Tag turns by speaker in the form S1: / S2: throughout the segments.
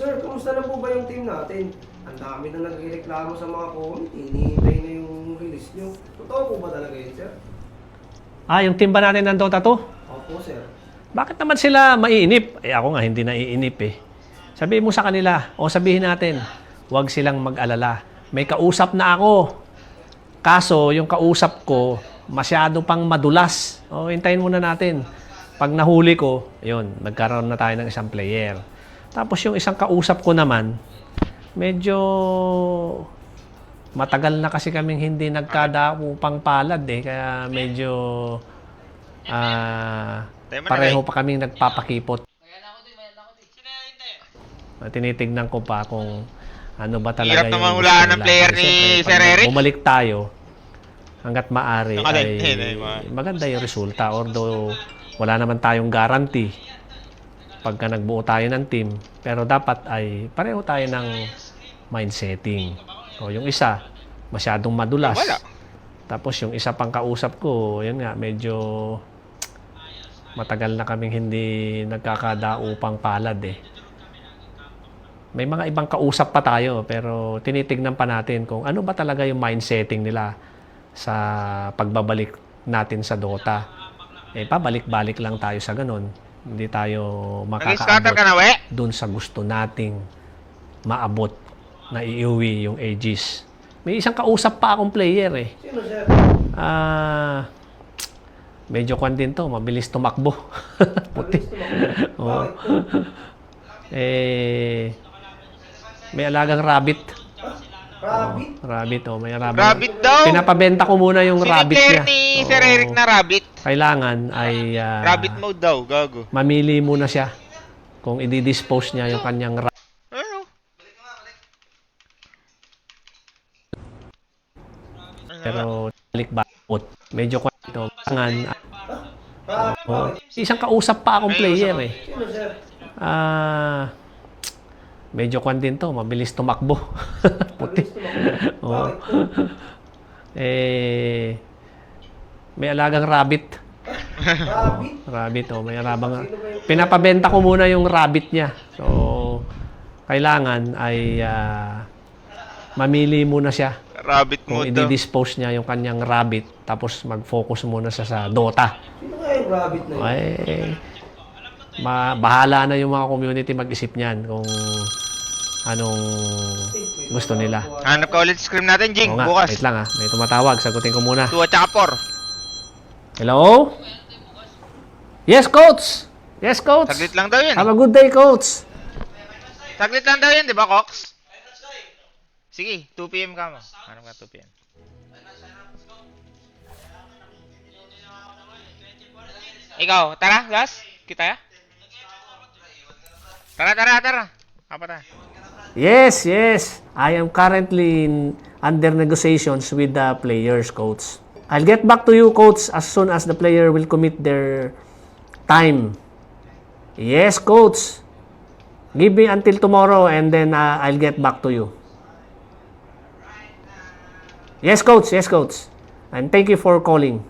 S1: Sir, kumusta na po ba yung team natin? Ang dami na nagreklamo sa mga comment. Hinihintay na yung release nyo. Totoo po ba talaga yun, sir?
S2: Yung team ba natin ng Dota 2?
S1: Opo, sir.
S2: Bakit naman sila maiinip? Ako nga hindi naiinip eh. Sabihin mo sa kanila, o sabihin natin, huwag silang mag-alala. May kausap na ako. Kaso, yung kausap ko, masyado pang madulas. Hintayin muna natin. Pag nahuli ko, yun, nagkaroon na tayo ng isang player. Tapos yung isang kausap ko naman, medyo matagal na kasi kaming hindi nagkadaupang palad eh. Kaya medyo pareho pa kaming nagpapakipot. Tinitignan ko pa kung ano ba talaga
S3: hirap naman hulaan ng player ni Sir Eric.
S2: Bumalik tayo hanggat maaari ay maganda yung resulta. Although wala naman tayong guarantee pagka nagbuo tayo ng team. Pero dapat ay pareho tayo ng mindsetting. Yung isa, masyadong madulas. Tapos yung isa pang kausap ko, yun nga, medyo matagal na kaming hindi nagkakadaupang palad eh. May mga ibang kausap pa tayo, pero tinitignan pa natin kung ano ba talaga yung mindsetting nila sa pagbabalik natin sa Dota. Pabalik-balik lang tayo sa ganun. Hindi tayo makakaabot dun sa gusto nating maabot na iuwi yung Aegis. May isang kausap pa akong player eh.
S1: Sino, sir?
S2: Medyo kwan din to, mabilis tumakbo. Puti. Oo. May alagang rabbit.
S1: Rabbit?
S2: Rabbit, may rabbit.
S3: Rabbit daw!
S2: Pinapabenta ko muna yung rabbit niya.
S3: ni Sir Eric na rabbit.
S2: Kailangan ay
S3: Rabbit mode daw, gago.
S2: mamili muna siya kung i-dispose niya yung kanyang rabbit.
S3: Ano?
S2: Pero balik-bakot. Medyo kwan ito. Kailangan isang kausap pa akong player eh.
S1: Sino, sir?
S2: Medyo kwan din to, mabilis tumakbo. Puti. Oo. May alagang rabbit.
S1: Rabbit?
S2: Rabbit, may alabang. Pinapabenta ko muna yung rabbit niya. So, kailangan ay mamili muna siya.
S3: Rabbit
S2: Kung
S3: mode daw.
S2: i-dispose niya yung kanyang rabbit, tapos mag-focus muna siya sa Dota.
S1: Sino nga yung rabbit na yun?
S2: Bahala na yung mga community mag-isip niyan kung anong gusto nila.
S3: Hanap ka ulit scream natin, Jing,
S2: Oo nga,
S3: bukas.
S2: wait lang may tumatawag. Sagutin ko muna.
S3: 2 at saka 4.
S2: Hello? Yes, coach! Yes, coach!
S3: Saglit lang daw yun.
S2: Have a good day, coach!
S3: Saglit lang daw yun, di ba, Cox? Sige, 2 PM ka mo. Hanap ka 2 PM. Ikaw, tara, Gas. Kita ya? Tara. Apa tayo?
S2: Yes. I am currently under negotiations with the players, coach. I'll get back to you, coach, as soon as the player will commit their time. Yes, coach. Give me until tomorrow and then I'll get back to you. Yes, coach. And thank you for calling.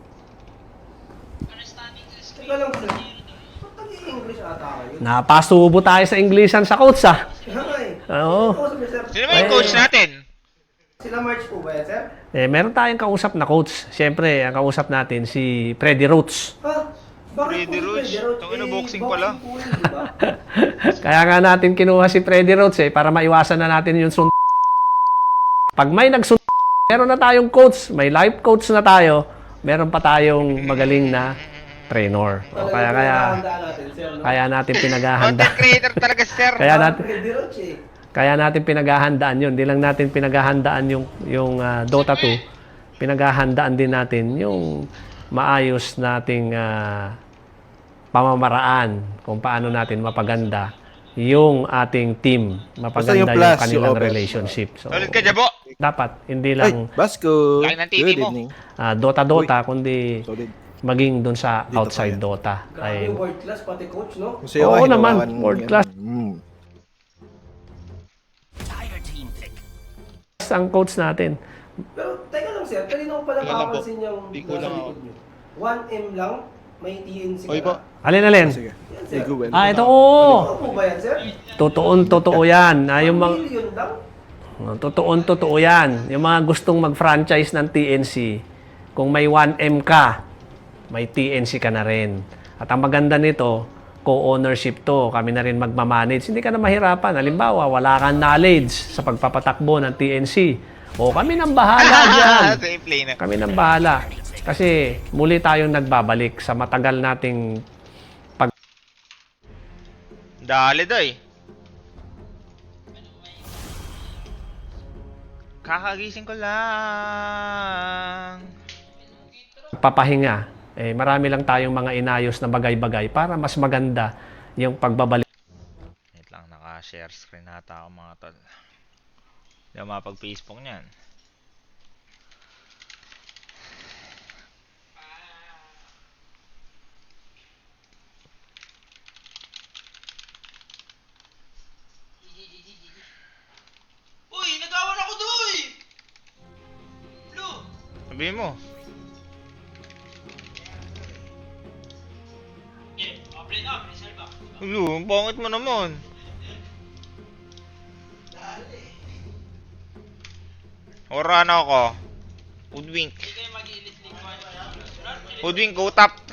S1: Teka lang, sir. Ba't nag-i-English ata kayo?
S2: Napasubo tayo sa Englishan sa coach,
S1: Kaya nga eh.
S2: Oo.
S1: Sino kausap niyo, sir?
S3: Sino ba yung coach natin?
S1: Sila March po ba yan, sir?
S2: Meron tayong kausap na coach. Siyempre, ang kausap natin si Freddy Roots.
S1: Ha? Bakit
S3: Freddy
S1: po
S3: Roach?
S1: si Freddy Roach?
S3: Tangina, boxing pala.
S1: Po yun, di ba?
S2: Kaya nga natin kinuha si Freddy Roots para maiwasan na natin yung Pag may meron na tayong coach, may life coach na tayo, meron pa tayong magaling na trainer. Kaya natin pinaghahanda.
S3: Content creator talaga, sir.
S1: Freddy Roach eh.
S2: Kaya natin pinaghahandaan yun. Hindi lang natin pinaghahandaan yung Dota 2. Pinaghahandaan din natin yung maayos nating pamamaraan kung paano natin mapaganda yung ating team. Mapaganda yung kanilang relationship. So,
S3: Ulit ka, Jabo.
S2: dapat hindi lang
S4: Basco,
S3: Kain ng TV
S4: good
S3: mo.
S4: evening.
S2: Dota, kundi
S4: Solid.
S2: maging dun sa
S4: Dito
S2: outside
S4: pa yan.
S2: Dota.
S1: Grabe yung world class, pati coach, no?
S4: Kasi ako,
S2: Oo naman,
S4: hinawakan
S2: world
S4: yan.
S2: class.
S4: Mm.
S2: Ang coach natin.
S1: Pero, teka lang, sir. Kanina ko pala
S5: Teka lang po.
S1: makapansin yung
S5: Di ko
S1: nasa
S5: lang
S1: likod nyo. 1M lang, may TNC
S5: Oy
S1: ka
S5: po.
S1: na.
S2: Alin?
S4: Sige. Iguin.
S2: Ito oo.
S1: Totoo po ba yan, sir?
S2: Totoo yan. Yung mga,
S1: Million lang?
S2: totoo yan. Yung mga gustong mag-franchise ng TNC, kung may 1M ka, may TNC ka na rin. At ang maganda nito, co-ownership to. Kami na rin magmamanage. Hindi ka na mahirapan. Halimbawa, wala kang knowledge sa pagpapatakbo ng TNC. O kami nang bahala dyan.
S3: Safe lane na.
S2: Kami nang bahala. Kasi muli tayong nagbabalik sa matagal nating
S3: Dali doy. Kakagising ko lang.
S2: papahinga. Marami lang tayong mga inayos na bagay-bagay para mas maganda yung pagbabalik.
S3: Wait lang, naka-share screen nata ako mga tol. Hindi ako mapag-Facebook niyan.
S5: Uy, nagawan ako doy! Blue!
S3: Sabihin mo.
S5: Okay, play na, reserve ba?
S3: Ulo, ang pangit mo naman. Ora na ako. Woodwink.
S5: Hindi kayo mag-i-elite league 1.
S3: Woodwink, go top.